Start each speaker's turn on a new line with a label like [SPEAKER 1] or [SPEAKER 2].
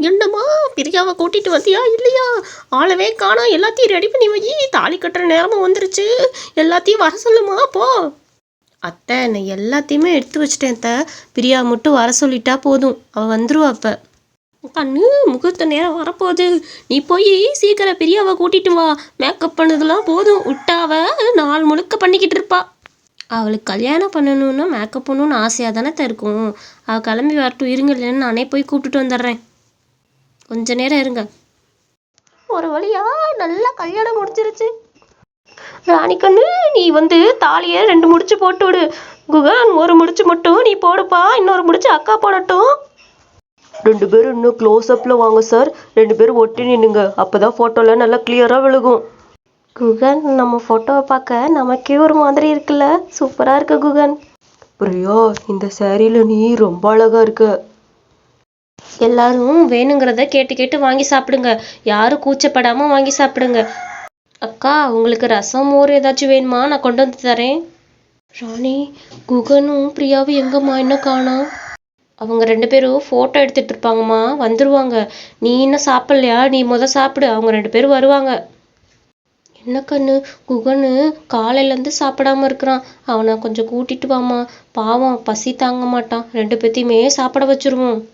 [SPEAKER 1] என்னம்மா பிரியாவை கூட்டிட்டு வந்தியா இல்லையா? ஆளவே காணோம். எல்லாத்தையும் ரெடி பண்ணி வை. தாலி கட்டுற நேரமும் வந்துருச்சு. எல்லாத்தையும் வர சொல்லுமா போ. அத்தை நான் எல்லாத்தையுமே எடுத்து வச்சிட்டேன் அத்தை. பிரியா மட்டும் வர சொல்லிட்டா போதும், அவள் வந்துருவா. அப்போ கண்ணு முகூர்த்த நேரம் வரப்போகுது. நீ போய் சீக்கிரம் பிரியாவை கூட்டிட்டு வா. மேக்கப் பண்ணதெல்லாம் போதும், விட்டாவ நாள் முழுக்க பண்ணிக்கிட்டு இருப்பா. அவளுக்கு கல்யாணம் பண்ணணுன்னா மேக்கப் பண்ணணுன்னு ஆசையாக தானே இருக்கும். அவள் கிளம்பி வரட்டும், இருங்க, இல்லைன்னு நானே போய் கூப்பிட்டுட்டு வந்துடுறேன். கொஞ்ச நேரம் இருங்க. ஒரு வழியா நல்லா கல்யாணம் முடிச்சிருச்சு. ராணிக்கண்ணு நீ வந்து தாலியை 2 முடிச்சு போட்டு விடு. குகன் ஒரு முடிச்சு மட்டும் நீ போடுப்பா, இன்னொரு முடிச்சு அக்கா போடட்டும்.
[SPEAKER 2] 2 பேரும் இன்னும் க்ளோஸ் அப்பில் வாங்க சார். 2 பேரும் ஒட்டி நின்னுங்க, அப்போ தான் ஃபோட்டோவில் நல்லா கிளியராக விழுகும்.
[SPEAKER 1] குகன் நம்ம ஃபோட்டோவை பார்க்க நமக்கே ஒரு மாதிரி இருக்குல்ல? சூப்பராக இருக்கு குகன்.
[SPEAKER 2] பிரியா இந்த சாரியில் நீ ரொம்ப அழகா இருக்க.
[SPEAKER 1] எல்லாரும் வேணுங்கிறத கேட்டு கேட்டு வாங்கி சாப்பிடுங்க. யாரும் கூச்சப்படாமல் வாங்கி சாப்பிடுங்க. அக்கா உங்களுக்கு ரசம் மோர் ஏதாச்சும் வேணுமா? நான் கொண்டு வந்து தரேன். ராணி குகனும் பிரியாவும் எங்கம்மா இன்னும் காணோம்? அவங்க 2 பேரும் ஃபோட்டோ எடுத்துட்டு இருப்பாங்கம்மா, வந்துருவாங்க. நீ இன்னும் சாப்பிட்லையா? நீ சாப்பிடு, அவங்க 2 பேரும் வருவாங்க. என்ன கண்ணு, குகனு காலையிலேருந்து சாப்பிடாம இருக்கிறான். அவனை கொஞ்சம் கூட்டிட்டு வாமா, பாவம் பசி தாங்க மாட்டான். 2 பேத்தையுமே சாப்பிட வச்சிருவோம்.